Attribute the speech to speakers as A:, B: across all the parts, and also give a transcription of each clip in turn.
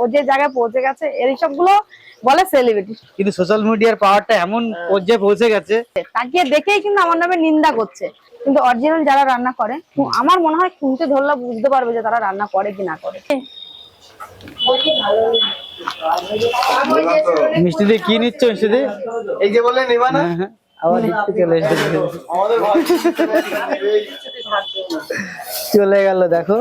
A: ও যে জায়গায় পৌঁছে গেছে এই সবগুলো বলে সেলিব্রিটি।
B: কিন্তু সোশ্যাল মিডিয়ার পাওয়ারটা এমন পর্যায়ে পৌঁছে গেছে,
A: তাকিয়ে দেখেই কিন্তু আমার নামে নিন্দা করছে, কিন্তু অরিজিনাল যারা রান্না করে আমার মনে হয় খুঁজে ধরলে বুঝতে পারবে যে তারা রান্না করে কি না করে।
B: মিষ্টি দিয়ে কি নিচ্ছ? মিষ্টি দিয়ে
C: এই যে বলে নেবা না,
B: আবার লিখতে চলে এসেছে, চলে গেল। দেখো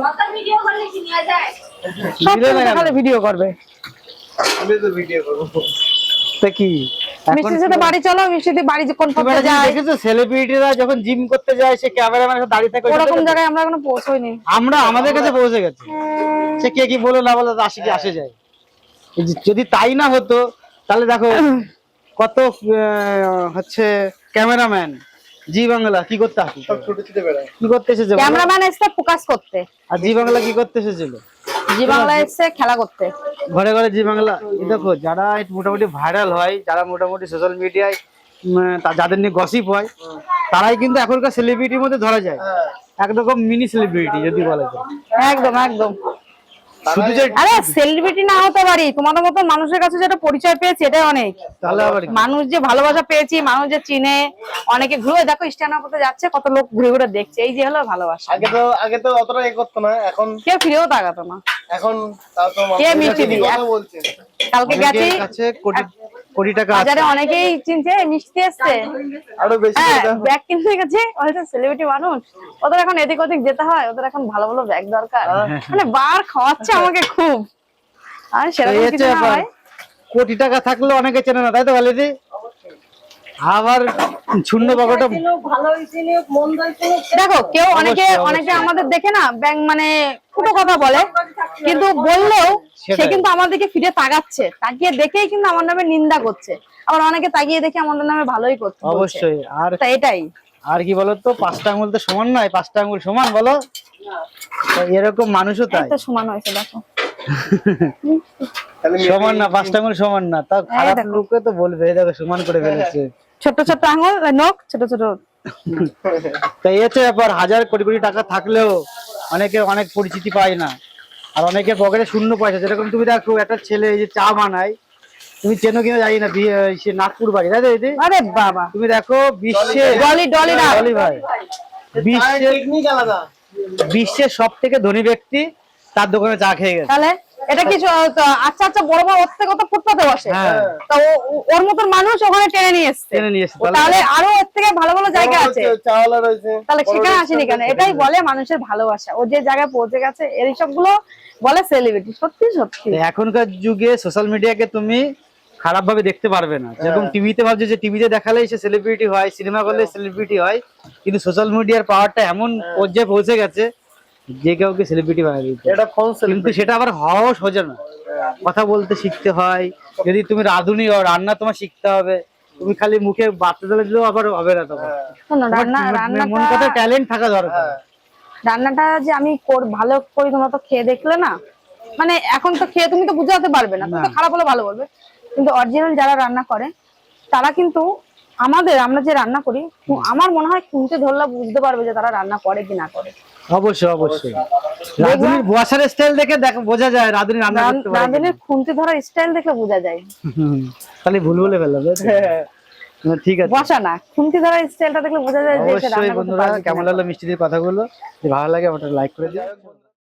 A: খালি ভিডিও করবে,
C: ভিডিও করবো
B: তা কি
A: মিষ্টির সাথে বাড়ি চলো, মিষ্টি বাড়ি কোন পথে যায়।
B: দেখেছো সেলিব্রিটিরা যখন জিম করতে যায় সে ক্যামেরাম্যানের সাথে দাঁড়িয়ে থাকে,
A: ওরকম জায়গায় আমরা এখনো পৌঁছইনি।
B: আমরা আমাদের কাছে পৌঁছে গেছে, সে কে কি বলে না বলে আসে কি আসে যায়। যদি তাই না হতো তাহলে দেখো কত হচ্ছে ক্যামেরাম্যান জি বাংলা কি করতে আসে,
C: সব ছোট ছোট বেড়ায়,
B: কি করতে এসেছে
A: ক্যামেরাম্যান এসে ফোকাস করতে,
B: আর জি বাংলা কি করতে এসেছিল?
A: জি বাংলা এসে খেলা করতে।
B: ঘরে ঘরে জি বাংলা। দেখো যারা মোটামুটি ভাইরাল হয়, যারা মোটামুটি সোশ্যাল মিডিয়ায় যাদের নিয়ে গসিপ হয়, তারাই কিন্তু এখনকার সেলিব্রিটির মধ্যে ধরা যায়, একরকম মিনি সেলিব্রিটি যদি বলা যায়।
A: একদম একদম।
B: শুধু যে
A: আরে সেলিব্রিটি না হতে পারি, তোমাদের মতো মানুষের কাছে যেটা পরিচয় পেয়েছি এটাই অনেক।
B: তাহলে আবার
A: মানুষ যে ভালোবাসা পেয়েছি, মানুষ যে চিনে, অনেকে ঘুরে দেখো স্ট্যান্ড আপ করতে যাচ্ছে, কত লোক ঘুরে ঘুরে দেখছে, এই যে হলো ভালোবাসা।
C: আগে তো অতটা এ করতো না, এখন
A: কেউ ফিরেও তাকাতো না।
C: এখন তাও তো
A: কে মিষ্টি দিবে?
C: কথা বলছে।
A: কালকে গেছি
B: কাছে কোটি কোটি টাকা আছে।
A: বাজারে, অনেকেই চিনছে মিষ্টি এসছে,
C: আরো বেশি করে দাও।
A: ব্যাগ কিনতে গেছে, হয়তো সেলিব্রিটি মানুষ, ওদের এখন এদিক ওদিক যেতে হয়, ওদের এখন ভালো ভালো ব্যাগ দরকার, মানে বার খাওয়াচ্ছে আমাকে খুব। আর সেরকম কিছু না হয়,
B: কোটি টাকা থাকলে অনেকে চেনে না, তাই তো বলে আবার শূন্য পকেটে
A: দেখো কেউ অনেকে অনেকে আমাদের দেখে না ব্যাংক মানে ফুটো কথা বলে, কিন্তু বললেও সে কিন্তু আমাদেরকে ফিরে তাকাচ্ছে, তাকিয়ে দেখেই কিন্তু আমার নামে নিন্দা করছে, আবার অনেকে তাকিয়ে দেখে আমাদের নামে ভালোই করছে।
B: অবশ্যই। আর
A: এটাই
B: আর কি বলতো, পাঁচটা আঙুল তো সমান নয়, পাঁচটা আঙুল সমান বলো, এরকম মানুষও তাই
A: সমান হয়েছে। দেখো
B: সমান না, পাঁচটা আঙুল সমান না, তা খারাপ লোকে তো বলবে দেখো সমান করে ফেলেছে,
A: ছোট ছোট আঙুল নখ ছোট ছোট।
B: তাই হচ্ছে ব্যাপার। হাজার কোটি কোটি টাকা থাকলেও অনেকে অনেক পরিচিতি পায় না, আর অনেকের পকেটে শূন্য পয়সা। যেরকম তুমি দেখো একটা ছেলে এই যে চা বানায়, তুমি চেনো কিনা জানি না, সে নাগপুর বাড়ি, তাই তো?
A: আরে বাবা,
B: তুমি দেখো বিশ্বে ডলি ভাই, বিশ্বের সব থেকে ধনী ব্যক্তি তার দোকানে চা খেয়ে গেছে।
A: তাহলে এটা কি আচ্ছা আচ্ছা বড় বড় ওর থেকে তো ফুটপাতে বসে, তো ওর মতন মানুষ ওখানে টেনে নিয়ে এসছে, তাহলে আরো ওর থেকে ভালো ভালো জায়গা আছে, তাহলে সেখানে আসেনি কেন? এটাই বলে মানুষের ভালোবাসা, ও যে জায়গায় পৌঁছে গেছে এই সবগুলো বলে সেলিব্রিটি। সত্যি সত্যি
B: এখনকার যুগে সোশ্যাল মিডিয়াকে তুমি খারাপ ভাবে দেখতে পারবে না। যেরকম টিভিতে ভাবছে যে টিভিতে দেখালেই সে সেলিব্রিটি হয়, সিনেমা করলে সেলিব্রিটি হয়, কিন্তু সোশ্যাল মিডিয়ার পাওয়ারটা এমন পর্যায়ে পৌঁছে গেছে যে কাউকে সেলিব্রিটি বানিয়ে দিতে। কিন্তু সেটা আবার হওয়াও সোজা না, কথা বলতে শিখতে হয়। যদি তুমি রাঁধুনি হও, রান্না তোমার শিখতে হবে, তুমি খালি মুখে বাচ্চা দিলে দিলেও আবার হবে না, তোমার মন কথা ট্যালেন্ট থাকা দরকার।
A: রান্নাটা যে আমি ভালো করি তোমরা তো খেয়ে দেখলে না, মানে এখন তো খেয়ে তুমি তো বুঝাতে পারবে না, তুমি তো খারাপ হলে ভালো বলবে, কিন্তু অরিজিনাল যারা রান্না করে তারা কিন্তু আমরা যে রান্না করি আমার মনে হয় খুঁজে ধরলে বুঝতে পারবে যে তারা রান্না করে কি না করে।
B: অবশ্যই অবশ্যই। রাঁধুনির বসার স্টাইল দেখে বোঝা যায় রাঁধুনি রান্না করতে পারে।
A: রাঁধুনির খুন্তি ধরার স্টাইল দেখে বোঝা যায়।
B: তাহলে ভুল বলে ফেললাম। ঠিক আছে,
A: বসা না, খুন্তি ধরার স্টাইলটা দেখলে বোঝা যায় যে
B: অবশ্যই। বন্ধুরা কেমন লাগলো মিষ্টিদের কথাগুলো? যদি ভালো লাগে আমাকে লাইক করে দিও।